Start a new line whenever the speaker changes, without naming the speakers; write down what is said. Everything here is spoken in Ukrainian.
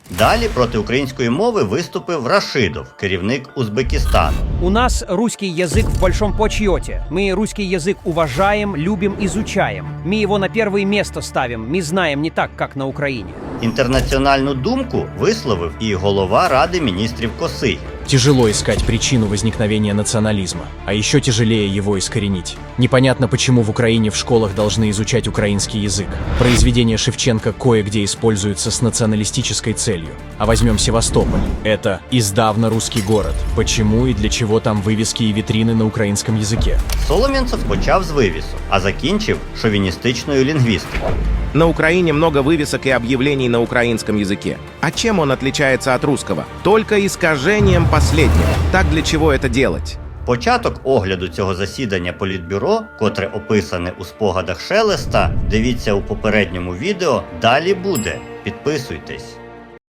Далі проти української мови виступив Рашидов, керівник Узбекистану.
У нас русский язык в большом почете. Мы русский язык уважаем, любим, изучаем. Мы его на первое место ставим. Мы знаем не так, как на Украине.
Інтернаціональну думку висловив і голова Ради міністрів Косий.
Тяжело искать причину возникновения национализма, а еще тяжелее его искоренить. Непонятно, почему в Украине в школах должны изучать украинский язык. Произведения Шевченко кое-где используются с националистической целью. А возьмем Севастополь. Это издавна русский город. Почему и для чего там вывески и витрины на украинском языке?
Солом'янцев почав з вивісу, а закінчив шовіністичною лінгвістикою.
На Украине много вывесок и объявлений на украинском языке. А чем он отличается от русского? Только искажением последнего. Так для чего это делать?
Початок огляду цього засідання Політбюро, котре описане у спогадах Шелеста, дивіться у попередньому відео, далі буде. Підписуйтесь.